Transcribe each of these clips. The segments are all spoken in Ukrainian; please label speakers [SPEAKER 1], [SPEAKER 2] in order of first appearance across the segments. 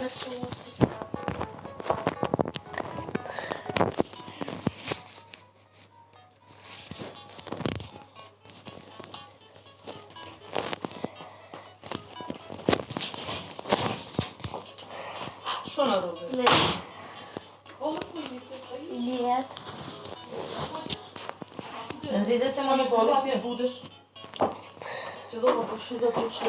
[SPEAKER 1] Що наробили?
[SPEAKER 2] Ні.
[SPEAKER 1] Де ти мамі балати будеш? Цілого пошли заточи.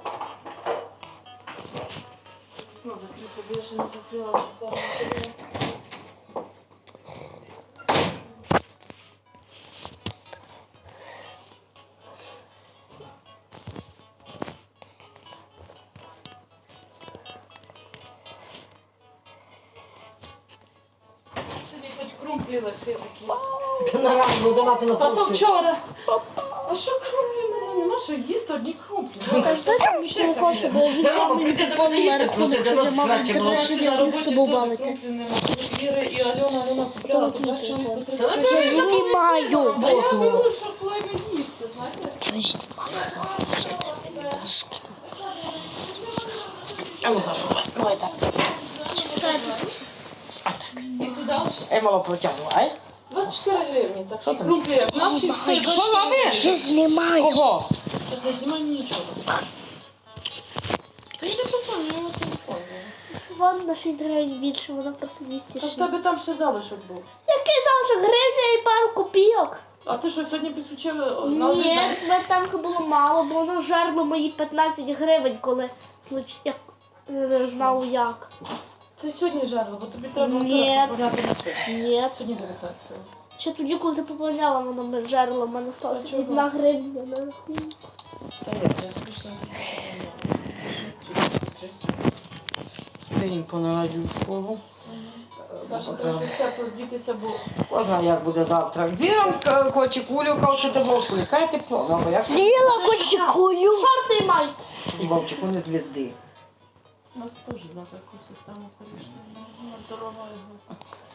[SPEAKER 1] Ну, закрий, бо я ще не закрила, щоб там не було. Сьогодні хоч крумплі лишились.
[SPEAKER 3] На ранку буду давати на
[SPEAKER 1] Та то
[SPEAKER 3] фрукти.
[SPEAKER 1] вчора. А що крумплі нема? Нема що їсти, одні крумплі.
[SPEAKER 2] Кажете, там телефон, щоб він
[SPEAKER 3] Рома,
[SPEAKER 2] мамі
[SPEAKER 3] прийти до
[SPEAKER 2] телефон
[SPEAKER 3] мене
[SPEAKER 2] на
[SPEAKER 3] їсти,
[SPEAKER 2] рахунок,
[SPEAKER 3] просто
[SPEAKER 2] щоб я
[SPEAKER 3] до
[SPEAKER 2] мама
[SPEAKER 3] срача було.
[SPEAKER 2] інтернет
[SPEAKER 1] Ще
[SPEAKER 2] не
[SPEAKER 1] на
[SPEAKER 2] зміг з
[SPEAKER 1] роботі
[SPEAKER 2] тобою
[SPEAKER 1] теж
[SPEAKER 2] бавити.
[SPEAKER 1] крумплі нема. Іри і Альона купляла.
[SPEAKER 2] Хто тобі
[SPEAKER 1] побачила,
[SPEAKER 2] телефон?
[SPEAKER 1] по 30
[SPEAKER 2] Я
[SPEAKER 1] гривень.
[SPEAKER 2] знімаю.
[SPEAKER 1] А я беру, що хлеб їсти, знаєте?
[SPEAKER 3] А ну, Саша, давай так.
[SPEAKER 1] І туди ж
[SPEAKER 3] Я мало протягнула, ай?
[SPEAKER 1] 24 гривні, так що крумплі. Наші стоять
[SPEAKER 3] Що
[SPEAKER 1] 24
[SPEAKER 3] робиш?
[SPEAKER 1] гривні.
[SPEAKER 2] Я знімаю.
[SPEAKER 3] Кого?
[SPEAKER 1] Зараз не знімай нічого. Та йди потім, я на телефон.
[SPEAKER 2] Вон на 6 гривень більше, вона просто
[SPEAKER 1] Та
[SPEAKER 2] 206.
[SPEAKER 1] в тебе там ще залишок був.
[SPEAKER 2] Який залишок гривня і пару копійок?
[SPEAKER 1] А ти що, сьогодні підключили?
[SPEAKER 2] Ні, в мене там було мало, бо воно жерло мої 15 гривень, коли я не знав як.
[SPEAKER 1] Це сьогодні жерло, бо тобі треба
[SPEAKER 2] Ні.
[SPEAKER 1] поняти на це.
[SPEAKER 2] Ні.
[SPEAKER 1] Сьогодні 19-го.
[SPEAKER 2] Ще тоді, коли ти поповняла, воно жерло, в мене сталося
[SPEAKER 1] А чого?
[SPEAKER 2] 1 гривня на рахунку.
[SPEAKER 1] Та ні, я тобі ще
[SPEAKER 3] День понараджую в школу.
[SPEAKER 1] Саша, треба щось тепло вдітися, бо
[SPEAKER 3] Кожна як буде завтра. Віра хоче кулю, кавче до вовку. Яка тепло, ну, бо я ж
[SPEAKER 2] З'їла кочекулю. Шорти май.
[SPEAKER 3] вовчику не звізди.
[SPEAKER 1] у нас теж на таку систему перейшли. Дорога його.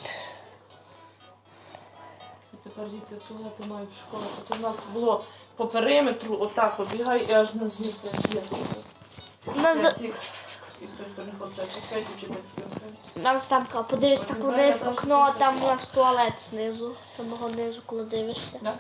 [SPEAKER 1] І тепер діти туалети мають в школу. От у нас було по периметру, отак обігай і аж на змісти. І з тої сторони хлопця, чекайте, чи
[SPEAKER 2] Нам там подивись так вниз в окно, а там у нас туалет знизу, самого низу, коли дивишся.
[SPEAKER 1] Да?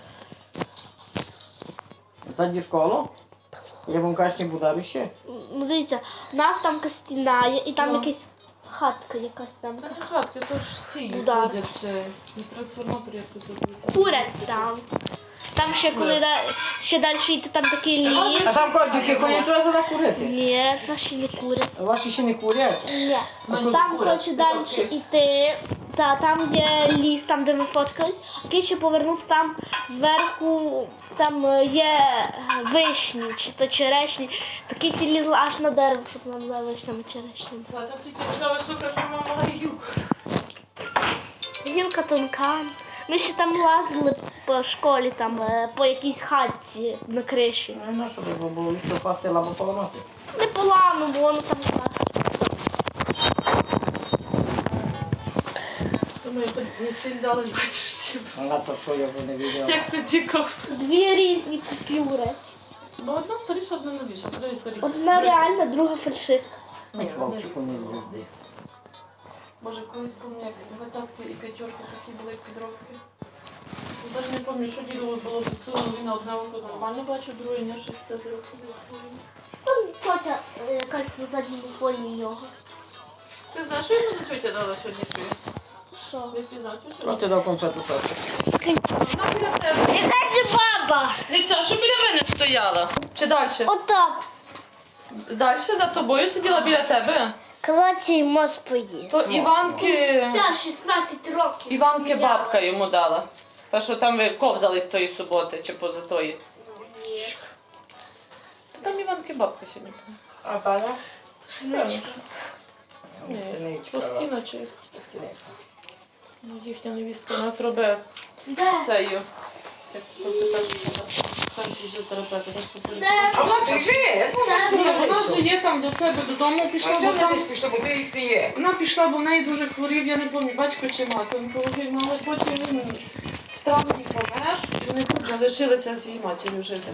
[SPEAKER 3] Ззаді школу? Я вам кажу, не буду ще.
[SPEAKER 2] Ну дивіться, у нас там стіна є, і там
[SPEAKER 1] Ну.
[SPEAKER 2] якась хатка якась там.
[SPEAKER 1] Так хатки, то ж ці
[SPEAKER 2] Удар.
[SPEAKER 1] ходять ще. І трансформатор як тут робити.
[SPEAKER 2] Курять там. Там ще коли ще далі йти, там такий ліс.
[SPEAKER 3] А там котики ходять, треба туди курити.
[SPEAKER 2] Ні, наші не курять.
[SPEAKER 3] А ваші ще не курять?
[SPEAKER 2] Ні.
[SPEAKER 1] Менше
[SPEAKER 2] Там
[SPEAKER 1] курять,
[SPEAKER 2] хоче
[SPEAKER 1] це
[SPEAKER 2] далі
[SPEAKER 1] так.
[SPEAKER 2] йти. Та там є ліс, там де ми фоткались. А ще повернути там зверху, там є вишні чи то черешні. Такі ті лізли аж на дерево, щоб нам за вишнями черешнями.
[SPEAKER 1] Та так тільки цікаво, слухай, що мама гаю.
[SPEAKER 2] Гілка тонка. Ми ще там лазили по школі, там по якійсь хатці на криші.
[SPEAKER 3] Ну, на що би було лісо пасти або поламати?
[SPEAKER 2] Не поламано, бо воно там так.
[SPEAKER 1] Думаю, хоч не сильно дали відчуттів.
[SPEAKER 3] А то що я вже не відео.
[SPEAKER 1] Як тоді ков.
[SPEAKER 2] Дві різні купюри.
[SPEAKER 1] Бо одна старіша, одна новіша. Подивись, скоріше.
[SPEAKER 2] Одна реальна, друга фальшивка.
[SPEAKER 3] Ні, вовчику не звізди.
[SPEAKER 1] Боже, колись пам'ятаю, як 20-ки і 5-ки такі були підробки. Навіть не пам'ятаю, що діло було підсилено, він на одне око нормально бачив, друге ні, щось все трохи.
[SPEAKER 2] Там тетя якась на задньому фоні в нього.
[SPEAKER 1] Ти знаєш, що йому за тетя дала сьогодні тобі?
[SPEAKER 2] Що?
[SPEAKER 1] Я впізнав тетю.
[SPEAKER 3] Що ти дав конфету Саші?
[SPEAKER 1] Вона біля тебе.
[SPEAKER 2] Яка це баба?
[SPEAKER 1] Дивіться, що біля мене стояла? Чи далі?
[SPEAKER 2] Отак.
[SPEAKER 1] Далі за тобою сиділа біля тебе?
[SPEAKER 2] Клаці мозг поїсть.
[SPEAKER 1] То Іванки...
[SPEAKER 2] Ця 16 років.
[SPEAKER 1] Іванки бабка йому дала. Та, що там ви ковзали з тої суботи чи поза тої. Та там Іванки бабка сьогодні.
[SPEAKER 3] А Таня?
[SPEAKER 2] Синичка.
[SPEAKER 1] Ні,
[SPEAKER 3] Синичка.
[SPEAKER 1] Плоскіна чи... Ну, їхня невістка нас робить
[SPEAKER 2] Де?
[SPEAKER 1] цею. Як там фізіотерапевт.
[SPEAKER 2] Де?
[SPEAKER 3] А вона біжи!
[SPEAKER 1] Ні, вона ж є там до себе додому пішла, бо там...
[SPEAKER 3] пішла, бо ти їх не є.
[SPEAKER 1] Вона пішла, бо в неї дуже хворів, я не пам'ятаю, батько чи мати онкологію, ну, але потім він в травні помер, і вони тут залишилися з її матір'ю жити.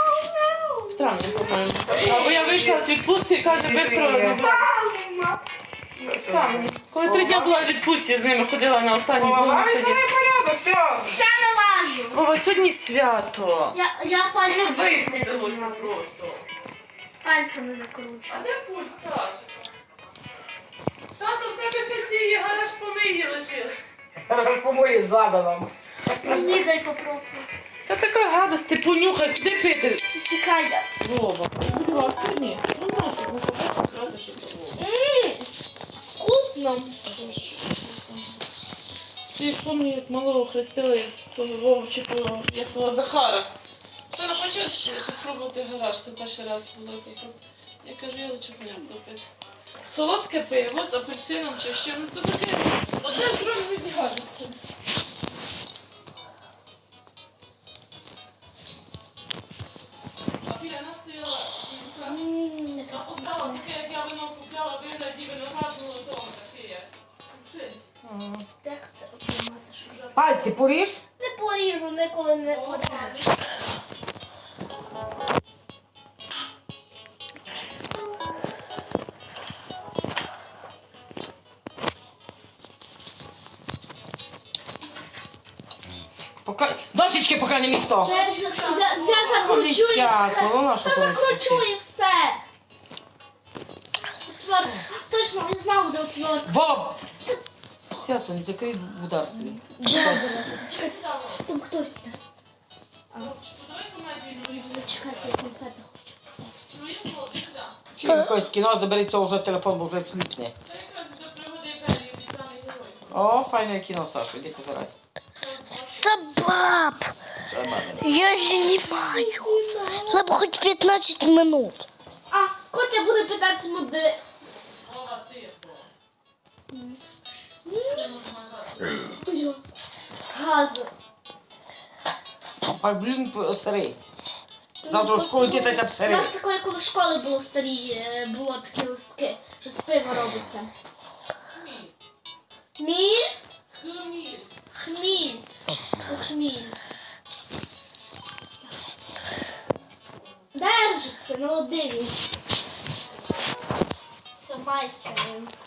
[SPEAKER 1] В травні, по-моєму. Або я вийшла з відпустки і каже, швидко Там, коли 3 дні була в відпустці з ними, ходила на останній
[SPEAKER 3] Голова
[SPEAKER 1] дзвоник тоді.
[SPEAKER 3] візьме порядок, все.
[SPEAKER 2] Ще налажу.
[SPEAKER 1] Вова, сьогодні свято.
[SPEAKER 2] Я пальцем не
[SPEAKER 1] Виходилося
[SPEAKER 2] знаю.
[SPEAKER 1] просто.
[SPEAKER 2] Пальцем не закручу.
[SPEAKER 1] А де пульт, Саша? Тато, в тебе ще ці гараж помиї лишили.
[SPEAKER 3] Раз помої з ладаном.
[SPEAKER 2] Мені дай попробую.
[SPEAKER 1] Це така гадость, ти понюхай, куди пити?
[SPEAKER 2] Чекай.
[SPEAKER 1] Вова. Будь сьогодні? Ну, нашу, ну, побачиш, що це Вова.
[SPEAKER 2] Вкусно.
[SPEAKER 1] Ти пам'ятаю, як малого хрестили того Вовчикого, як того Захара. Що не хочеш спробувати гараж, ти перший раз було таке. Я кажу, я лучше поняв попити. Солодке пиво з апельсином чи ще, ну то таке одне з другим відігає. А біля нас стояла жінка. А постала таке, як я вино купляла, вигляді виноградного дому таке. Кушить.
[SPEAKER 2] Як це отримати, що я
[SPEAKER 3] Пальці поріж.
[SPEAKER 2] не поріжу, ніколи не поріжу.
[SPEAKER 3] Дощечки поки не місто.
[SPEAKER 2] Я закручу і все.
[SPEAKER 3] Ну на що
[SPEAKER 2] Я
[SPEAKER 3] ти
[SPEAKER 2] закручу і все. Отвер... Точно, я знав, де отвертка.
[SPEAKER 3] Вов! Сято, не закрий удар собі.
[SPEAKER 2] Добре. Чекай, там хтось там.
[SPEAKER 1] Давай комедію.
[SPEAKER 2] Чекай, я концерт хочу.
[SPEAKER 1] Ну, я знову, сюди.
[SPEAKER 3] Чи якось кіно, забери цього вже телефон, бо вже фліпне.
[SPEAKER 1] Це якраз до пригоди Італії, обіцяний герой.
[SPEAKER 3] О, файне кіно, Саша, іди позирай.
[SPEAKER 2] Та баб,
[SPEAKER 3] Треба.
[SPEAKER 2] я знімаю. Треба хоч 15 минут. А, Котя буде 15 минут дивитися.
[SPEAKER 1] Вова, тихо. Не можна нажати.
[SPEAKER 2] Газу.
[SPEAKER 3] А блін, сирий. Завтра в школу йти та
[SPEAKER 2] У
[SPEAKER 3] сирий.
[SPEAKER 2] нас такої, коли в школі було в старій, було такі листки, що з пива робиться. Міль?
[SPEAKER 1] Хміль.
[SPEAKER 2] Хміль. Хміль. Держиться, ну дивись. Все, майстер.